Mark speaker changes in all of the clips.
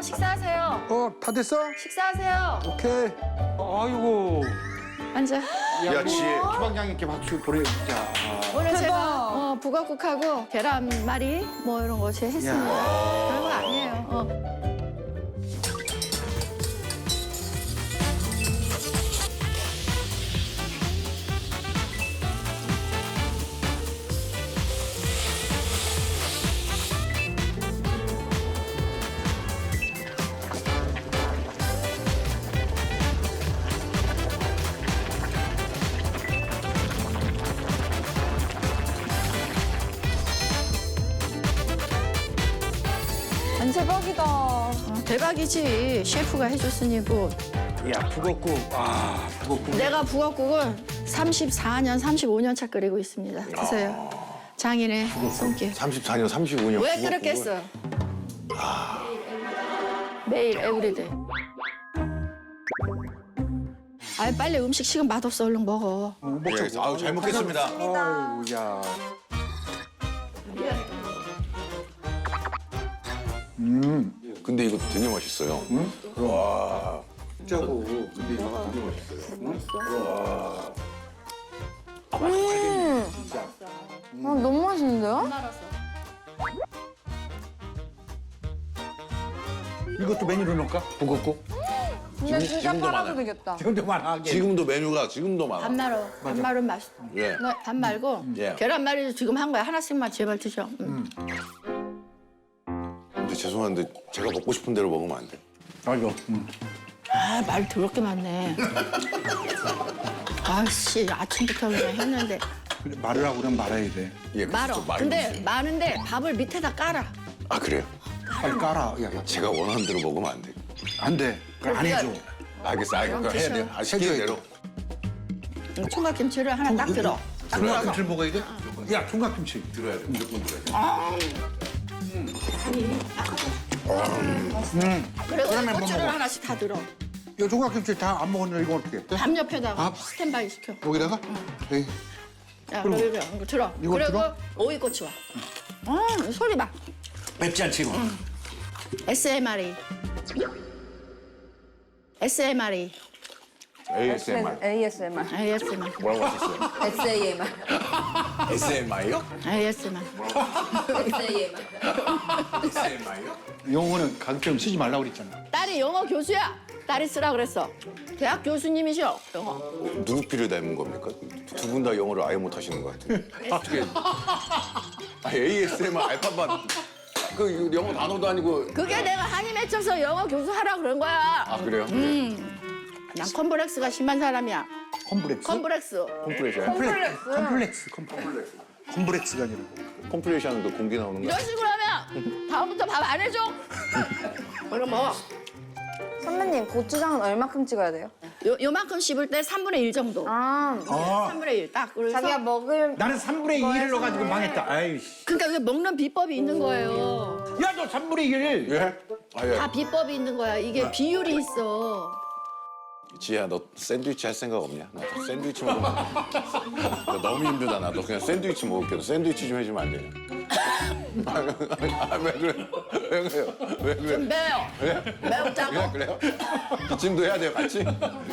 Speaker 1: 식사하세요.
Speaker 2: 다 됐어?
Speaker 1: 식사하세요.
Speaker 2: 오케이. 아이고.
Speaker 1: 앉아.
Speaker 3: 야, 지혜.
Speaker 2: 주방장님께 박수 보내주자.
Speaker 1: 오늘 제가 북엇국하고 계란말이 뭐 이런 거 제가 했습니다. 별거 아니에요.
Speaker 4: 대박이다.
Speaker 1: 대박이지. 셰프가 해줬으니 뭐.
Speaker 2: 야, 북엇국. 북엇국.
Speaker 1: 내가 북엇국을 34년, 35년 차 끓이고 있습니다. 드세요. 장인의 손길.
Speaker 3: 34년, 35년.
Speaker 1: 왜 그렇겠어? 매일 에브리데이. 아이 빨리 음식 식으면 맛없어. 얼른 먹어.
Speaker 3: 예, 아유, 잘 먹겠습니다.
Speaker 2: 아이고, 야.
Speaker 3: 근데 이거 되게 맛있어요.
Speaker 2: 짜고. 근데 이거 되게 맛있어요.
Speaker 4: 너무 맛있는데요?
Speaker 2: 이것도 메뉴로 넣을까? 북엇국?
Speaker 4: 근데 진짜
Speaker 3: 지금도
Speaker 4: 팔아도
Speaker 3: 많아요.
Speaker 4: 되겠다.
Speaker 2: 지금도 많아.
Speaker 3: 지금도 메뉴가 지금도 많아.
Speaker 1: 밥 말어. 밥 말은 맛있어.
Speaker 3: 예.
Speaker 1: 밥 말고
Speaker 3: 예.
Speaker 1: 계란말이도 지금 한 거야. 하나씩만 제발 드셔.
Speaker 3: 근데 죄송한데 제가 먹고 싶은 대로 먹으면 안 돼.
Speaker 2: 아이고.
Speaker 1: 아, 말 더럽게 많네. 아씨, 아침부터 그냥 했는데.
Speaker 2: 그래, 말을 하고 그냥 말아야 돼.
Speaker 3: 예,
Speaker 1: 말어.
Speaker 3: 좀 많이
Speaker 1: 근데
Speaker 3: 드세요.
Speaker 1: 많은데 밥을 밑에다 깔아.
Speaker 3: 아, 그래요?
Speaker 2: 빨리 깔아. 야,
Speaker 3: 제가 원하는 대로 먹으면 안 돼.
Speaker 2: 안 돼. 그걸 안 해줘.
Speaker 3: 알겠어, 알겠어. 해야 돼요. 아, 시키는 대로.
Speaker 1: 총각김치를 하나 딱 들어.
Speaker 2: 총각김치를 먹어야 돼? 야, 총각김치.
Speaker 3: 들어야 돼. 무조건 들어야 돼.
Speaker 1: 그리고
Speaker 2: 그러면 뭐
Speaker 1: 고추를
Speaker 2: 먹어?
Speaker 1: 하나씩 다 들어.
Speaker 2: 야, 총각김치 다 안 먹었는데 이거 어떻게 해?
Speaker 1: 밥 옆에다가
Speaker 2: 밥?
Speaker 1: 스탠바이 시켜.
Speaker 2: 여기다가? 에이.
Speaker 1: 야,
Speaker 2: 그리고
Speaker 1: 이거 들어.
Speaker 2: 이거
Speaker 1: 그리고
Speaker 2: 들어?
Speaker 1: 오이고추 와. 소리 봐.
Speaker 2: 맵지 않지, 이거?
Speaker 1: SMRE. SMRE.
Speaker 3: ASMR.
Speaker 4: ASMR.
Speaker 1: ASMR.
Speaker 3: 뭐라고 하셨어요?
Speaker 4: SAMR.
Speaker 3: SMR요?
Speaker 1: ASMR.
Speaker 4: SAMR.
Speaker 3: SMR요?
Speaker 2: 영어는 가급적 쓰지 말라고 그랬잖아.
Speaker 1: 딸이 영어 교수야. 딸이 쓰라 그랬어. 대학 교수님이셔. 영어.
Speaker 3: 누구 피를 닮은 겁니까? 두 분 다 영어를 아예 못 하시는 것 같은데. 어떻게? ASMR 알파벳. 그 영어 단어도 아니고.
Speaker 1: 그게 내가 한이 맺혀서 영어 교수 하라 그런 거야.
Speaker 3: 아, 그래요?
Speaker 1: 난 컴플렉스가 심한 사람이야.
Speaker 2: 컴플렉스?
Speaker 1: 컴플렉스.
Speaker 3: 콤프레이션.
Speaker 2: 컴플렉스가 아니라.
Speaker 3: 콤프레이션은 그 공기 나오는 거.
Speaker 1: 이런 식으로 하면 다음부터 밥 안 해줘. 그럼 먹어.
Speaker 4: 선배님, 고추장은 얼마큼 찍어야 돼요?
Speaker 1: 요만큼 씹을 때 3분의 1 정도.
Speaker 4: 아,
Speaker 1: 3분의 1 딱. 그래서
Speaker 4: 자기가 먹을
Speaker 2: 나는 3분의 2를 넣어가지고 망했다. 아이씨.
Speaker 1: 그러니까 이게 먹는 비법이 있는 거예요.
Speaker 2: 야, 너 3분의 2를.
Speaker 3: 예? 아, 예.
Speaker 1: 다 비법이 있는 거야. 이게 비율이 있어.
Speaker 3: 지혜야, 너 샌드위치 할 생각 없냐? 나 샌드위치 먹으면 나 너무 힘들다. 나도 그냥 샌드위치 먹을게. 너 샌드위치 좀 해주면 안 되냐? 왜 그래? 왜 그래요? 왜 그래?
Speaker 1: 좀 매워. 매우 짜고.
Speaker 3: 그래요? 기침도 해야 돼요, 같이?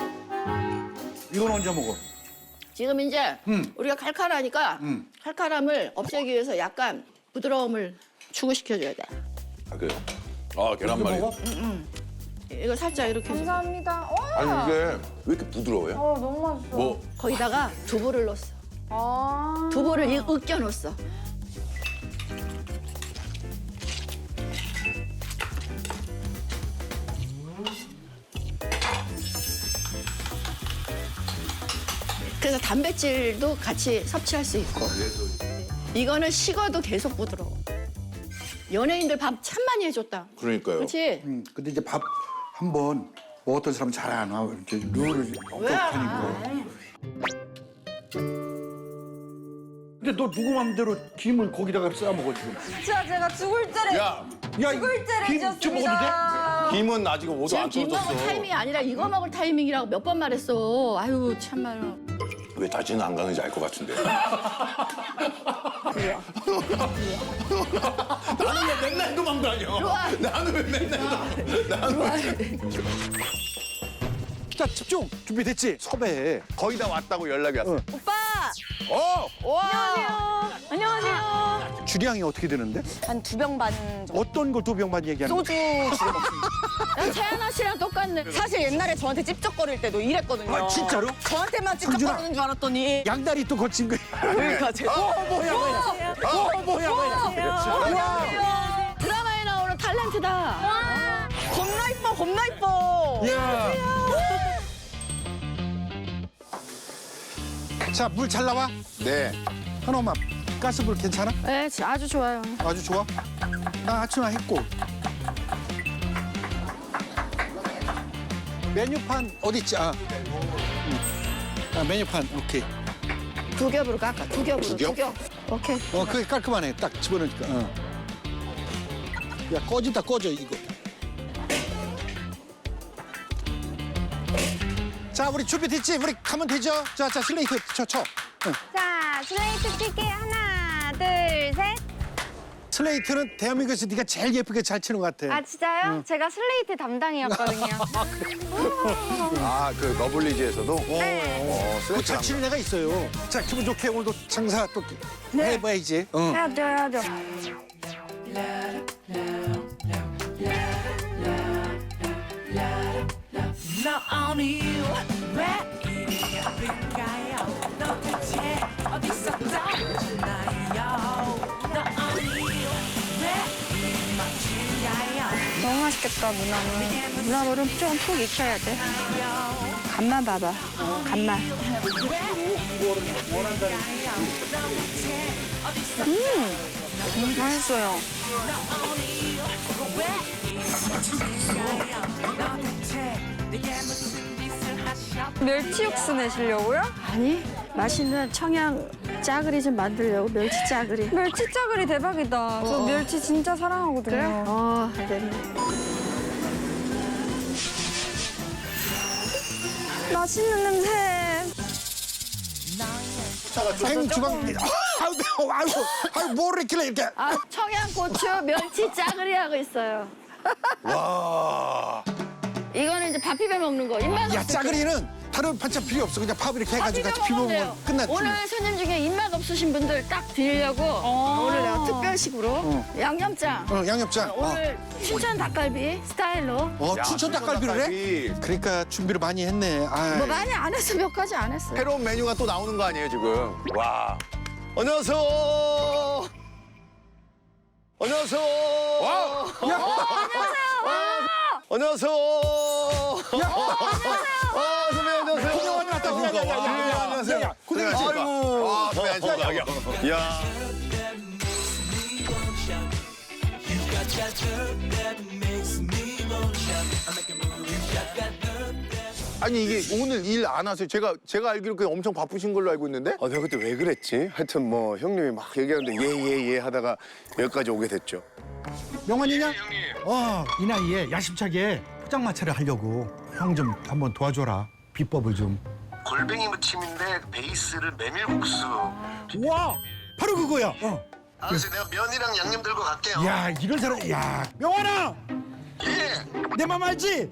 Speaker 2: 이건 언제 먹어?
Speaker 1: 지금 이제 우리가 칼칼하니까 칼칼함을 없애기 위해서 약간 부드러움을 추구시켜줘야 돼.
Speaker 3: 아, 그래요? 아, 계란말이.
Speaker 2: 먹어?
Speaker 1: 이거 살짝 이렇게 해서
Speaker 4: 감사합니다.
Speaker 3: 아니, 이게 왜 이렇게 부드러워요?
Speaker 4: 너무 맛있어.
Speaker 3: 뭐,
Speaker 1: 거기다가 두부를 넣었어.
Speaker 4: 아.
Speaker 1: 두부를 으깨 넣었어. 그래서 단백질도 같이 섭취할 수 있고. 이거는 식어도 계속 부드러워. 연예인들 밥 참 많이 해줬다.
Speaker 3: 그러니까요.
Speaker 1: 그렇지?
Speaker 2: 근데 이제 밥 한 번 먹었던 사람은 잘 안 와. 이렇게 룰을
Speaker 1: 왜 안
Speaker 2: 엄격하니까.
Speaker 1: 와?
Speaker 2: 근데 너 누구 맘대로 김을 거기다가 싸 먹어 지금.
Speaker 4: 진짜 제가 죽을 때를
Speaker 3: 야,
Speaker 2: 야,
Speaker 4: 죽을 때를
Speaker 2: 김좀 먹어도 돼?
Speaker 4: 지었습니다.
Speaker 3: 김은 아직 오도
Speaker 1: 지금
Speaker 3: 안
Speaker 1: 김 먹을
Speaker 3: 떨어졌어.
Speaker 1: 타이밍이 아니라 이거 먹을 타이밍이라고 몇 번 말했어. 아유 참말로.
Speaker 3: 왜 다시는 안 가는지 알 것 같은데. 나는 왜 맨날 도망다녀? 나는 왜 맨날
Speaker 2: 자, 집중. 준비됐지? 섭외해.
Speaker 3: 거의 다 왔다고 연락이 왔어.
Speaker 4: 오빠.
Speaker 3: 와!
Speaker 4: 안녕하세요.
Speaker 2: 주량이 어떻게 되는데?
Speaker 4: 한 2병 반 정도.
Speaker 2: 어떤 걸 2병만 얘기하는 거야?
Speaker 4: 소주 지금 먹습니다.
Speaker 1: 야, 채연아 씨랑 똑같네.
Speaker 4: 사실 옛날에 저한테 찝쩍거릴 때도 이랬거든요.
Speaker 2: 아, 진짜로?
Speaker 4: 저한테만 찝쩍거리는 줄 알았더니.
Speaker 2: 양다리 또 거친 거야.
Speaker 4: 그러니까 제가.
Speaker 2: 뭐야.
Speaker 1: 드라마에 나오는 탤런트다.
Speaker 4: 겁나 이뻐, 겁나 이뻐.
Speaker 2: 야. 자, 물 잘 나와?
Speaker 3: 네.
Speaker 2: 한엄마, 가스불 괜찮아?
Speaker 1: 네, 아주 좋아요.
Speaker 2: 아주 좋아? 나 아침에 했고. 메뉴판 어디 있지? 아, 메뉴판 오케이.
Speaker 1: 두 겹으로 깎아. 두 겹으로.
Speaker 3: 두 겹?
Speaker 1: 두 겹. 오케이.
Speaker 2: 그게 깔끔하네. 딱 집어넣으니까. 야, 꺼져 이거. 자, 우리 준비됐지? 우리 가면 되죠? 자, 슬레이트 쳐.
Speaker 5: 자, 슬레이트 칠게요. 하나, 둘, 셋.
Speaker 2: 슬레이트는 대한민국에서 네가 제일 예쁘게 잘 치는 것 같아.
Speaker 5: 아, 진짜요? 제가 슬레이트 담당이었거든요.
Speaker 3: 아, 그 러블리즈에서도?
Speaker 5: 네.
Speaker 2: 그 잘 치는 애가 있어요. 자, 기분 좋게 오늘도 장사 또 해봐야지.
Speaker 5: 해야죠.
Speaker 6: 너 오늘 왜 이리 예쁜가요? 너 대체 어디서 떠오르나요? 너 오늘 왜 이리 멋진가요?
Speaker 5: 너무 맛있겠다, 문어는. 문어는 좀 푹 익혀야 돼. 간만 봐봐. 간만. 맛있어요.
Speaker 6: 너 대체 내게 무슨 짓을 하셨?
Speaker 5: 멸치 육수 내시려고요?
Speaker 1: 아니, 맛있는 청양 짜글이 좀 만들려고, 멸치 짜글이.
Speaker 5: 멸치 짜글이 대박이다. 저 멸치 진짜 사랑하거든요.
Speaker 1: 알겠네.
Speaker 5: 맛있는 냄새.
Speaker 2: 생주방. 아유, 뭐를 이렇게 이렇게.
Speaker 1: 아, 청양고추 멸치 짜글이 하고 있어요.
Speaker 3: 와.
Speaker 1: 이거는 이제 밥 비벼 먹는 거. 입맛
Speaker 2: 야,
Speaker 1: 없을 때.
Speaker 2: 짜글이는 다른 반찬 필요 없어. 그냥 밥 이렇게 해가지고 같이 비벼
Speaker 1: 먹으면
Speaker 2: 먹으면 끝났지.
Speaker 1: 오늘 손님 중에 입맛 없으신 분들 딱 드리려고 오늘 내가 특별식으로 양념장.
Speaker 2: 양념장.
Speaker 1: 오늘 춘천 닭갈비 스타일로.
Speaker 2: 춘천 닭갈비를 해? 그러니까 준비를 많이 했네. 아이.
Speaker 1: 뭐 많이 안 했어, 몇 가지 안 했어.
Speaker 3: 새로운 메뉴가 또 나오는 거 아니에요, 지금? 와. 안녕하세요. 안녕하세요. 와. 안녕하세요. 선배님 안녕하세요.
Speaker 2: 구경하러 왔다, 구경.
Speaker 3: 안녕하세요.
Speaker 2: 구경하지.
Speaker 3: 아이고. 선배님 안녕하세요. 야. 아니 이게 오늘 일 안 하세요? 제가 알기로 그냥 엄청 바쁘신 걸로 알고 있는데?
Speaker 7: 아, 내가 그때 왜 그랬지? 하여튼 뭐 형님이 막 얘기하는데 예 하다가 여기까지 오게 됐죠.
Speaker 2: 명환이냐? 이 나이에 야심차게 포장마차를 하려고 형 좀 한번 도와줘라. 비법을 좀.
Speaker 7: 골뱅이 무침인데 베이스를 메밀국수.
Speaker 2: 와, 바로 그거야.
Speaker 7: 그래서 내가 면이랑 양념 들고 갈게요.
Speaker 2: 야, 이런 사람. 야, 명환아,
Speaker 7: 예.
Speaker 2: 내 맘 알지?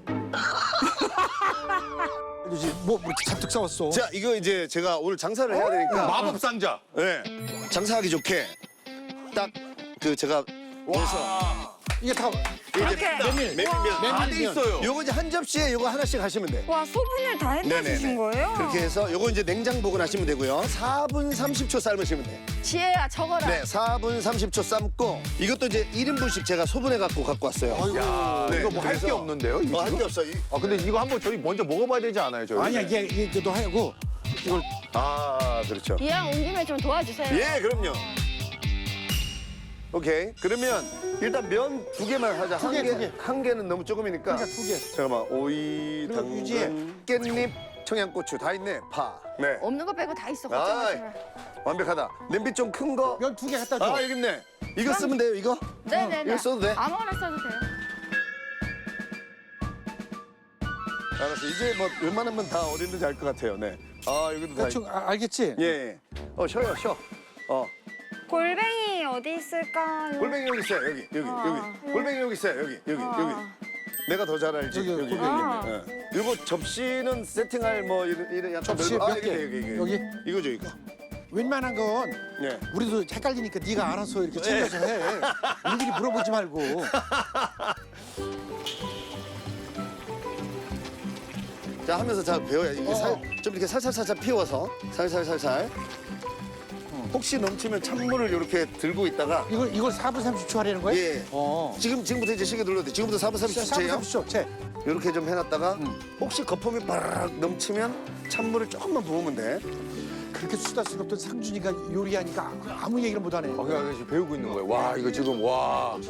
Speaker 2: 뭐 이렇게 잔뜩 싸웠어.
Speaker 7: 자, 이거 이제 제가 오늘 장사를 해야 되니까.
Speaker 3: 마법 상자.
Speaker 7: 네. 장사하기 좋게 딱 그 제가 넣어서
Speaker 2: 이게 다
Speaker 7: 메밀면.
Speaker 3: 다 돼 있어요.
Speaker 7: 요거 이제 한 접시에 요거 하나씩 하시면 돼.
Speaker 5: 와, 소분을 다 해주신 거예요?
Speaker 7: 그렇게 해서 요거 이제 냉장 보관하시면 되고요. 4분 30초 삶으시면 돼.
Speaker 1: 지혜야, 적어라.
Speaker 7: 네, 4분 30초 삶고 이것도 이제 1인분씩 제가 소분해 갖고 왔어요.
Speaker 3: 야,
Speaker 7: 네,
Speaker 3: 이거 뭐 할 게
Speaker 7: 그래서-
Speaker 3: 없는데요? 이거
Speaker 7: 할 게 없어.
Speaker 3: 아 근데 이거 한번 저희 먼저 먹어봐야 되지 않아요, 저희?
Speaker 2: 아니야, 이게 너 하고 이걸
Speaker 7: 아, 그렇죠.
Speaker 1: 이왕 온 김에 좀 도와주세요.
Speaker 7: 예, 그럼요. 오케이. 그러면 일단 면 2개만 하자.
Speaker 2: 두 개, 두 개.
Speaker 7: 한 개는 너무 조금이니까.
Speaker 2: 그러니까 2개.
Speaker 7: 잠깐만. 오이,
Speaker 2: 그리고 유지해.
Speaker 7: 당근, 깻잎, 청양고추 다 있네. 파. 네.
Speaker 1: 없는 거 빼고 다 있어.
Speaker 7: 아이,
Speaker 1: 걱정하지 마.
Speaker 7: 완벽하다. 냄비 좀 큰 거.
Speaker 2: 면 2개 갖다 줘.
Speaker 7: 아, 여기 있네. 이거 쓰면 돼요, 이거?
Speaker 1: 네네네.
Speaker 7: 이거 써도 돼?
Speaker 1: 아무거나 써도 돼요.
Speaker 7: 알았어. 이제 뭐 웬만하면 다 어딘지 알 것 같아요. 네. 아 여기도 다.
Speaker 2: 대충 알겠지?
Speaker 7: 예. 쉬어요 쉬어.
Speaker 5: 골뱅이 어디 있을까요?
Speaker 7: 골뱅이 여기 있어요 여기. 골뱅이 여기 있어요 여기. 내가 더 잘 알지.
Speaker 2: 여기,
Speaker 7: 여기.
Speaker 2: 골뱅이.
Speaker 7: 그리고 접시는 세팅할 뭐 이런 약간
Speaker 2: 접시
Speaker 7: 넓은-
Speaker 2: 몇 개? 여기?
Speaker 7: 이거죠 이거.
Speaker 2: 웬만한 건
Speaker 7: 예.
Speaker 2: 우리도 헷갈리니까 네가 알아서 이렇게 챙겨서 해. 우리끼리 물어보지 말고.
Speaker 7: 자 하면서 자 배워야 이게 좀 이렇게 살살살살 피워서 살살살살. 혹시 넘치면 찬물을 이렇게 들고 있다가
Speaker 2: 이걸 4분 30초 하라는 거야?
Speaker 7: 예. 지금부터 이제 시계 눌러도 돼. 지금부터 4분
Speaker 2: 4분
Speaker 7: 30초예요.
Speaker 2: 30초. 채.
Speaker 7: 이렇게 좀 해놨다가 혹시 거품이 바락 넘치면 찬물을 조금만 부으면 돼.
Speaker 2: 그렇게 수다스럽던 상준이가 요리하니까 아무 얘기를 못하네.
Speaker 3: 그냥 지금 배우고 있는 거예요. 와 이거 지금 와.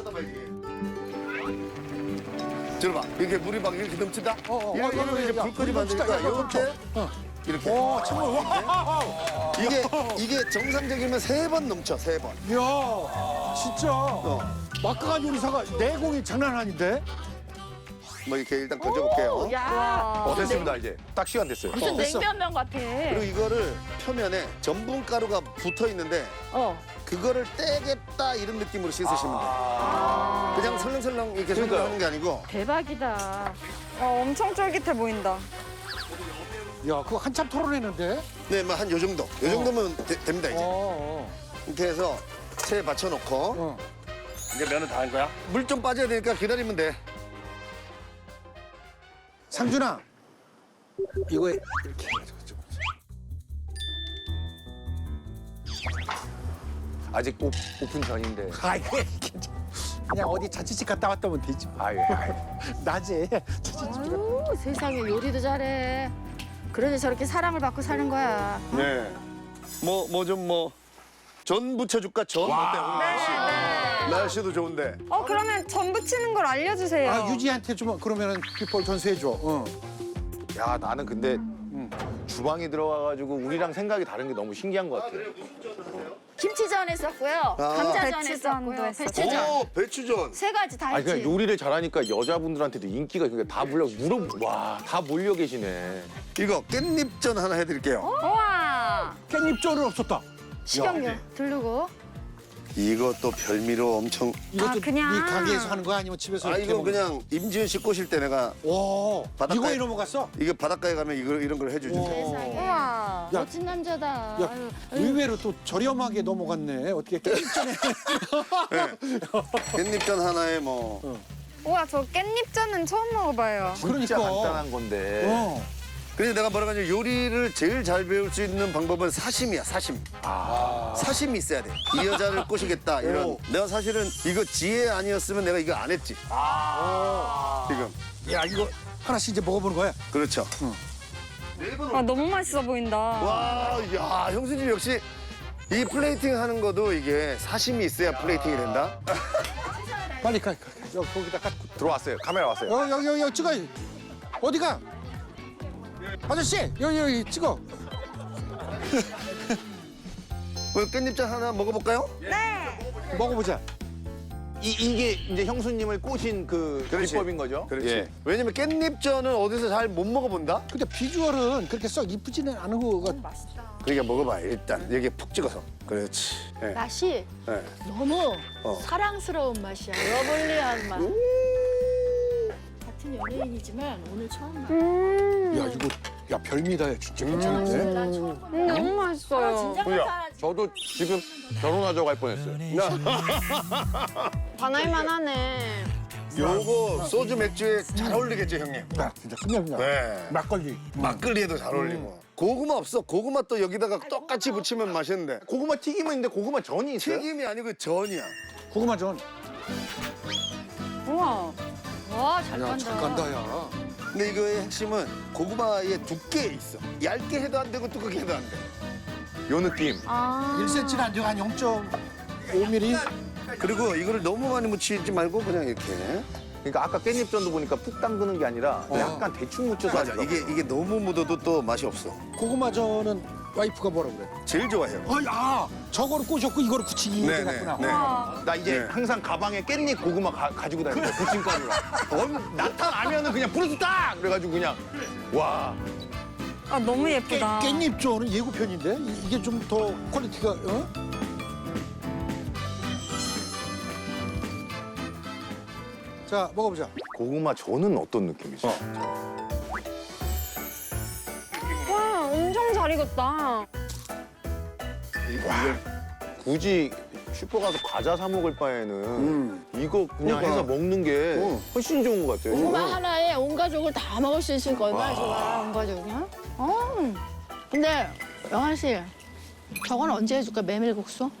Speaker 7: 들어봐. 이렇게 물이 막 이렇게 넘친다. 이러면 이제 불 끄지
Speaker 2: 넘친다.
Speaker 7: 만드니까
Speaker 2: 넘쳐.
Speaker 7: 이렇게 이렇게.
Speaker 2: 정말 와.
Speaker 7: 이게 정상적이면 3번 넘쳐 3번.
Speaker 2: 야, 진짜. 막강한 요리사가 내공이 장난 아닌데?
Speaker 7: 뭐 이렇게 일단 던져볼게요.
Speaker 1: 야.
Speaker 3: 됐습니다 이제. 딱 시간 됐어요.
Speaker 1: 무슨
Speaker 2: 됐어.
Speaker 1: 냉면면 같아.
Speaker 7: 그리고 이거를 표면에 전분 가루가 붙어 있는데 그거를 떼겠다 이런 느낌으로 씻으시면 돼요. 그냥 설렁설렁 이렇게 설렁하는 게 아니고.
Speaker 5: 대박이다. 엄청 쫄깃해 보인다.
Speaker 2: 야, 그거 한참 토론했는데?
Speaker 7: 네, 뭐 한 요 정도. 요 정도면 됩니다 이제.
Speaker 2: 어.
Speaker 7: 이렇게 해서 체에 받쳐놓고
Speaker 2: 어.
Speaker 7: 이제 면은 다 한 거야? 물 좀 빠져야 되니까 기다리면 돼.
Speaker 2: 상준아, 이거 이렇게.
Speaker 3: 아직 오픈 전인데.
Speaker 2: 아이고, 괜찮아. 그냥 어디 자취집 갔다 왔다 오면 되지.
Speaker 3: 아유.
Speaker 2: 낮에 자취집 갔다.
Speaker 1: 아유, 세상에 요리도 잘해. 그러니 저렇게 사랑을 받고 사는 거야.
Speaker 7: 네. 전 부쳐줄까 전? 어때 오늘 날씨? 날씨도 좋은데.
Speaker 5: 그러면 전 부치는 걸 알려주세요.
Speaker 2: 아, 유지한테 좀 그러면은 비법 전수해줘. 응.
Speaker 3: 야 나는 근데 주방에 들어가가지고 우리랑 생각이 다른 게 너무 신기한 것 같아요.
Speaker 1: 김치전 했었고요. 감자전
Speaker 5: 배추전도
Speaker 1: 했었고요.
Speaker 5: 했었고.
Speaker 1: 배추전.
Speaker 7: 오 배추전.
Speaker 1: 세 가지 다
Speaker 3: 아니
Speaker 1: 했지.
Speaker 3: 그냥 요리를 잘하니까 여자분들한테도 인기가 그러니까 다 다 몰려 계시네.
Speaker 7: 이거 깻잎전 하나 해드릴게요.
Speaker 5: 우와.
Speaker 2: 깻잎전은 없었다.
Speaker 1: 식용유 두르고.
Speaker 7: 이것도 별미로 엄청.
Speaker 2: 이것도
Speaker 5: 그냥.
Speaker 2: 네 가게에서 하는 거야 아니면 집에서
Speaker 7: 아
Speaker 2: 이렇게
Speaker 7: 이거
Speaker 2: 먹는
Speaker 7: 그냥 임지은 씨 꼬실 때 내가
Speaker 2: 오,
Speaker 7: 바닷가에-
Speaker 2: 이거에 넘어갔어?
Speaker 7: 이거 바닷가에 가면 이런 걸 해주지.
Speaker 1: 세상에.
Speaker 5: 우와.
Speaker 2: 야.
Speaker 1: 멋진 남자다.
Speaker 2: 야,
Speaker 1: 아유,
Speaker 2: 의외로 또 저렴하게 넘어갔네. 어떻게 깻잎전에.
Speaker 7: 깻잎전 하나에 뭐.
Speaker 5: 우와, 저 깻잎전은 처음 먹어봐요.
Speaker 3: 진짜
Speaker 2: 그러니까.
Speaker 3: 간단한 건데.
Speaker 7: 그래서 내가 뭐라고 하냐면 요리를 제일 잘 배울 수 있는 방법은 사심이야 사심. 사심이 있어야 돼. 이 여자를 꼬시겠다 이런. 내가 사실은 이거 지혜 아니었으면 내가 이거 안 했지. 지금.
Speaker 2: 야, 이거 하나씩 이제 먹어보는 거야.
Speaker 7: 그렇죠.
Speaker 5: 너무 맛있어 보인다.
Speaker 7: 와, 야, 형수님 역시 이 플레이팅 하는 것도 이게 사심이 있어야 플레이팅이 된다.
Speaker 2: 빨리 가. 여기 거기다 갖고.
Speaker 3: 들어왔어요. 카메라 왔어요.
Speaker 2: 여기 찍어. 어디가? 아저씨, 여기 찍어.
Speaker 7: 깻잎전 하나 먹어볼까요?
Speaker 2: 먹어보자.
Speaker 3: 이게 이제 형수님을 꼬신 그
Speaker 7: 그렇지.
Speaker 3: 비법인 거죠?
Speaker 7: 그렇지.
Speaker 3: 예.
Speaker 7: 왜냐면 깻잎전은 어디서 잘 못 먹어본다?
Speaker 2: 근데 비주얼은 그렇게 썩 이쁘지는 않은 거가.
Speaker 7: 그러니까 먹어봐 일단 여기 푹 찍어서. 그렇지. 예.
Speaker 1: 맛이
Speaker 7: 예.
Speaker 1: 너무
Speaker 7: 어.
Speaker 1: 사랑스러운 맛이야. 러블리한 맛. 같은 연예인이지만 오늘 처음 맛.
Speaker 2: 야, 이거 야 별미다. 진짜 괜찮은데?
Speaker 1: 난 처음 봐.
Speaker 5: 너무 맛있어요.
Speaker 1: 진짜 괜찮아.
Speaker 3: 저도 지금 결혼하자고 할 뻔했어요.
Speaker 5: 반할만 하네.
Speaker 7: 요거 소주 맥주에 잘 어울리겠죠 형님?
Speaker 2: 야, 진짜 그냥.
Speaker 7: 네.
Speaker 2: 막걸리.
Speaker 7: 막걸리에도 잘 어울리고. 고구마 없어. 고구마 또 여기다가 똑같이 붙이면 맛있는데.
Speaker 3: 고구마 튀김은 있는데 고구마 전이 있어요?
Speaker 7: 튀김이 아니고 전이야.
Speaker 2: 고구마 전.
Speaker 5: 우와.
Speaker 1: 와, 잘
Speaker 2: 야,
Speaker 1: 간다.
Speaker 2: 잘 간다, 야.
Speaker 7: 근데 이거의 핵심은 고구마의 두께에 있어. 얇게 해도 안 되고 두껍게 해도 안 돼.
Speaker 3: 요 느낌.
Speaker 2: 1cm는 안 되고 한 0.5mm?
Speaker 7: 그리고 이거를 너무 많이 묻히지 말고 그냥 이렇게.
Speaker 3: 그러니까 아까 깻잎전도 보니까 푹 담그는 게 아니라 약간 대충 묻혀서
Speaker 7: 맞아.
Speaker 3: 하더라고요.
Speaker 7: 이게 너무 묻어도 또 맛이 없어.
Speaker 2: 고구마 전은 와이프가 뭐라 그래?
Speaker 7: 제일 좋아해요.
Speaker 2: 야, 저거를 꼬셨고 이거를 붙이기
Speaker 7: 네,
Speaker 2: 해놨구나.
Speaker 7: 네, 네.
Speaker 3: 나 이제
Speaker 7: 네.
Speaker 3: 항상 가방에 깻잎 고구마 가지고 다니는 거야. 부침가루랑. 나타나면은 그냥 부르스다! 그래가지고 그냥 와.
Speaker 5: 아, 너무 예쁘다.
Speaker 2: 깻잎조는 예고편인데 이게 좀 더 퀄리티가 자 먹어보자.
Speaker 3: 고구마 전은 어떤 느낌이지?
Speaker 5: 와, 엄청 잘 익었다.
Speaker 3: 굳이 슈퍼 가서 과자 사 먹을 바에는 이거 그냥 해서 먹는 게 훨씬 좋은 것 같아요.
Speaker 1: 고구마 하나에 온 가족을 다 먹을 수 있으니까 얼마나 좋아, 온 가족이야? 근데 영환 씨, 저건 언제 해줄까, 메밀국수?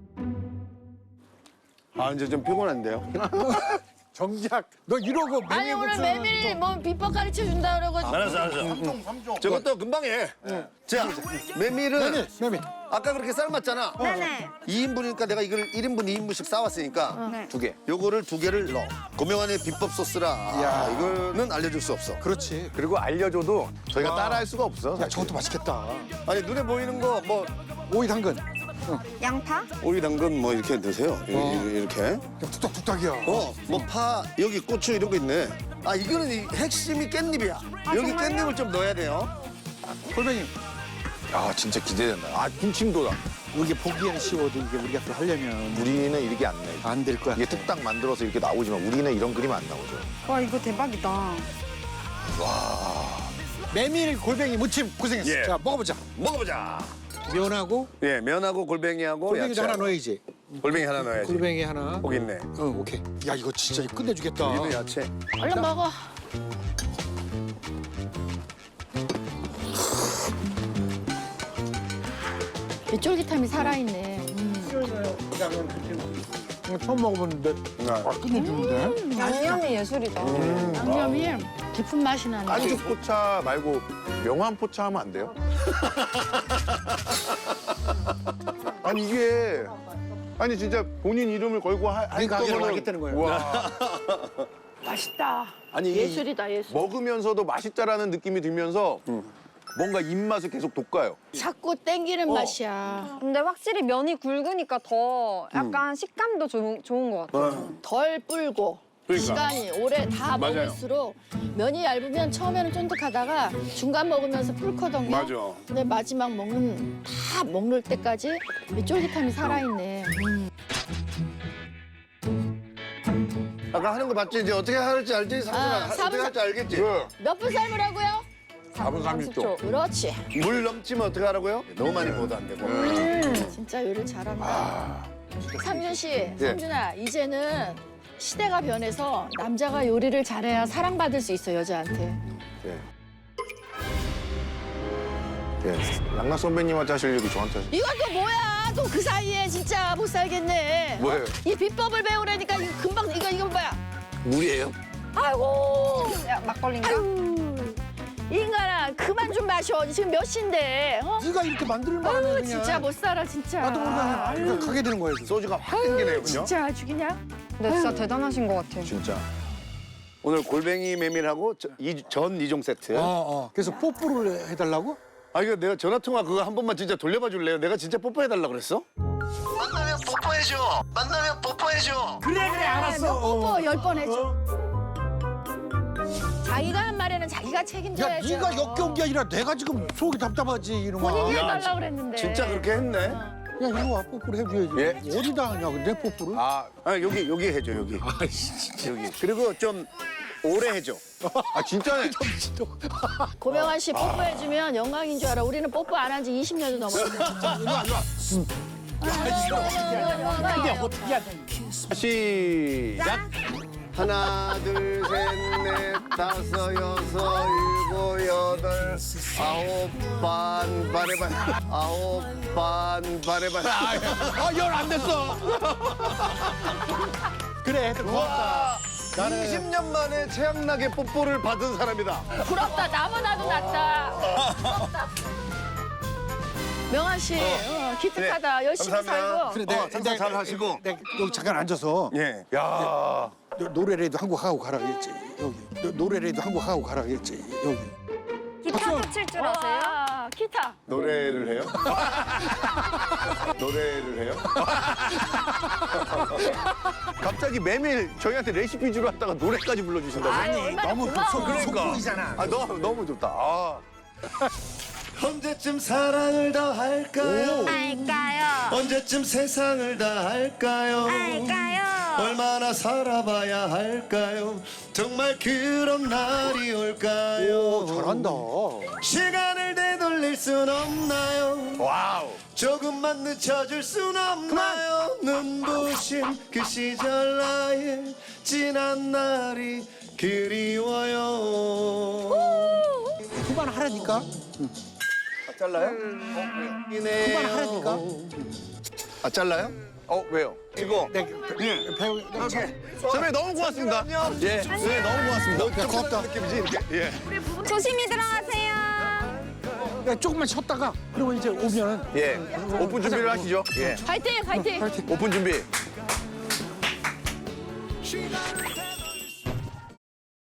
Speaker 7: 아 이제 좀 피곤한데요.
Speaker 2: 정작 너 이러고
Speaker 1: 아니 오늘 메밀 뭐 비법 가르쳐 준다 그러고
Speaker 7: 알았어. 저것도 금방 해. 자, 메밀은
Speaker 2: 메밀.
Speaker 7: 아까 그렇게 삶았잖아.
Speaker 5: 네네.
Speaker 7: 2인분이니까 내가 이걸 1인분, 2인분씩 싸왔으니까
Speaker 5: 네.
Speaker 3: 2개.
Speaker 7: 요거를 2개를 넣어. 고명환의 비법 소스라.
Speaker 2: 야.
Speaker 7: 이거는 알려줄 수 없어.
Speaker 2: 그렇지.
Speaker 3: 그리고 알려줘도 저희가 따라할 수가 없어.
Speaker 2: 야
Speaker 3: 사실.
Speaker 2: 저것도 맛있겠다.
Speaker 7: 아니 눈에 보이는 거 뭐
Speaker 2: 오이 당근.
Speaker 5: 양파?
Speaker 7: 오이 당근 뭐 이렇게 넣으세요. 이렇게.
Speaker 2: 야, 뚝딱뚝딱이야.
Speaker 7: 뭐 파, 여기 고추 이런 거 있네. 아 이거는 이 핵심이 깻잎이야. 여기
Speaker 5: 정말요?
Speaker 7: 깻잎을 좀 넣어야 돼요.
Speaker 2: 골뱅이.
Speaker 3: 아 진짜 기대된다. 아 군침 돋아.
Speaker 2: 이게 보기에는 쉬워도 이게 우리가 또 하려면
Speaker 3: 우리는 이렇게 안 내.
Speaker 2: 안 될 거야.
Speaker 3: 이게 뚝딱 만들어서 이렇게 나오지만 우리는 이런 그림 안 나오죠.
Speaker 5: 와, 이거 대박이다.
Speaker 2: 메밀 골뱅이 무침 고생했어.
Speaker 7: 예.
Speaker 2: 자 먹어보자.
Speaker 7: 먹어보자.
Speaker 2: 면하고
Speaker 7: 예, 면하고 골뱅이하고
Speaker 2: 골뱅이도
Speaker 7: 야채하고.
Speaker 2: 하나 넣어야지.
Speaker 7: 골뱅이 하나 넣어야지.
Speaker 2: 골뱅이 하나.
Speaker 7: 거기 있네.
Speaker 2: 오케이. 야 이거 진짜 이거 끝내주겠다.
Speaker 7: 여기도 야채.
Speaker 1: 얼른 먹어. 이 쫄깃함이 살아있네.
Speaker 2: 처음 먹어봤는데 끝내주는데.
Speaker 5: 양념이 예술이다.
Speaker 1: 양념이 깊은 맛이 나네.
Speaker 3: 깐죽 포차 말고 명함 포차 하면 안 돼요? 아니 이게 아니 진짜 본인 이름을 걸고 할
Speaker 2: 네 가게로
Speaker 3: 거면은
Speaker 2: 가겠다는 거예요.
Speaker 3: 와.
Speaker 1: 맛있다.
Speaker 3: 아니 이
Speaker 1: 예술이다, 예술.
Speaker 3: 먹으면서도 맛있다라는 느낌이 들면서 뭔가 입맛을 계속 돋가요.
Speaker 1: 자꾸 땡기는 맛이야.
Speaker 5: 근데 확실히 면이 굵으니까 더 약간 식감도 좋은 것 같아.
Speaker 1: 덜 불고
Speaker 3: 그러니까.
Speaker 1: 시간이 오래 다
Speaker 3: 맞아요.
Speaker 1: 먹을수록 면이 얇으면 처음에는 쫀득하다가 중간 먹으면서 불거든요.
Speaker 3: 맞아.
Speaker 1: 근데 마지막 다 먹을 때까지 이 쫄깃함이 살아있네.
Speaker 7: 아까 하는 거 봤지? 이제 어떻게 할지 알지? 삼촌아, 어떻게
Speaker 1: 사분
Speaker 7: 할지 알겠지?
Speaker 1: 몇 분 삶으라고요?
Speaker 3: 4분 30초.
Speaker 1: 그렇지.
Speaker 7: 물 넘치면 어떻게 하라고요? 너무 많이 먹어도 안 되고.
Speaker 1: 진짜 요리 잘한다. 상준 씨, 상준아, 이제는 시대가 변해서 남자가 요리를 잘해야 사랑받을 수 있어, 여자한테.
Speaker 3: 네. 네. 양락 선배님한테 하실 얘기 저한테 하실.
Speaker 1: 이건 또 뭐야? 또 그 사이에 진짜 못 살겠네.
Speaker 3: 뭐예요?
Speaker 1: 이 비법을 배우라니까 이거 금방 이거 뭐야?
Speaker 3: 물이에요?
Speaker 1: 아이고,
Speaker 5: 야, 막걸리인가?
Speaker 1: 아유, 인간아 그만 좀 마셔. 지금 몇 시인데? 어?
Speaker 2: 네가 이렇게 만들면 안 해,
Speaker 1: 아유,
Speaker 2: 그냥.
Speaker 1: 진짜 못 살아 진짜.
Speaker 2: 나도 모르면 그냥 가게 되는 거야. 지금.
Speaker 7: 소주가 확 땡기네요, 그죠?
Speaker 1: 진짜 아주 그냥.
Speaker 5: 근데 진짜 대단하신 것 같아요.
Speaker 3: 진짜.
Speaker 7: 오늘 골뱅이 메밀하고 전 2종 세트.
Speaker 2: 그래서 뽀뽀를 해달라고?
Speaker 7: 아 이거 내가 전화 통화 그거 한 번만 진짜 돌려봐 줄래요? 내가 진짜 뽀뽀해달라 그랬어? 만나면 뽀뽀해줘. 만나면 뽀뽀해줘.
Speaker 2: 그래 알았어.
Speaker 1: 뽀뽀 10번 해줘. 자기가 한 말에는 자기가
Speaker 2: 야
Speaker 1: 책임져야죠.
Speaker 2: 네가 역겨운 게 아니라 내가 지금 속이 답답하지 이놈아.
Speaker 1: 본인이
Speaker 7: 야,
Speaker 1: 해달라고 그랬는데.
Speaker 7: 진짜 그렇게 했네.
Speaker 2: 야 이리 와 뽀뽀를 해줘야지.
Speaker 3: 예?
Speaker 2: 어디다 하냐 근데 뽀뽀를?
Speaker 3: 아,
Speaker 7: 아 여기 해줘 여기. 여기. 그리고 좀 오래 해줘.
Speaker 3: 아 진짜네.
Speaker 1: 고명환 씨 뽀뽀해주면 영광인 줄 알아. 우리는 뽀뽀 안 한 지 20년도 넘었는데.
Speaker 2: 이게 어떻게 해야 돼?
Speaker 3: 시작.
Speaker 7: 하나 둘 셋 넷 다섯 여섯 일곱 여덟 아홉 반 바래반 아홉 반 바래반.
Speaker 2: 열 안 됐어. 그래 고맙다.
Speaker 7: 20년 만에 최양락의 뽀뽀를 받은 사람이다.
Speaker 1: 부럽다. 나보다도 낫다. 부럽다. 명환 씨, 기특하다. 열심히
Speaker 7: 감사합니다.
Speaker 1: 살고.
Speaker 2: 그래
Speaker 7: 장사 잘 하시고.
Speaker 2: 내가 여기 잠깐 앉아서
Speaker 7: 예.
Speaker 3: 야.
Speaker 2: 노래라도 한 곡 하고 가라 그랬지 여기. 노래라도 한 곡 하고 가라 그랬지 여기.
Speaker 5: 기타도 칠 줄 아세요?
Speaker 1: 와, 기타.
Speaker 3: 노래를 해요? 노래를 해요? 갑자기 메밀 저희한테 레시피 주러 왔다가 노래까지 불러주신다고?
Speaker 1: 아니,
Speaker 2: 너무
Speaker 1: 고마워.
Speaker 2: 속보이잖아.
Speaker 3: 아, 너무 좋다. 아.
Speaker 7: 언제쯤 사랑을 더 할까요?
Speaker 5: 알까요?
Speaker 7: 언제쯤 세상을 다 할까요?
Speaker 5: 알까요?
Speaker 7: 얼마나 살아봐야 할까요? 정말 그런 날이 올까요?
Speaker 2: 잘한다.
Speaker 7: 시간을 되돌릴 순 없나요?
Speaker 3: 와우.
Speaker 7: 조금만 늦춰줄 순 없나요? 눈부신 그 시절 나의 지난 날이 그리워요.
Speaker 2: 그만하라니까.
Speaker 7: 잘라요?
Speaker 2: 그만하라니까.
Speaker 7: 아 잘라요?
Speaker 3: 왜요?
Speaker 2: 배우.
Speaker 3: 선배님 너무 고맙습니다. 예, 선배님 너무 고맙습니다.
Speaker 2: 고맙다.
Speaker 5: 조심히 들어가세요.
Speaker 2: 야, 조금만 쉬었다가 그리고 이제 오면은
Speaker 3: 예, 오픈 준비를 하시죠. 예,
Speaker 1: 파이팅 파이팅.
Speaker 3: 오픈 준비.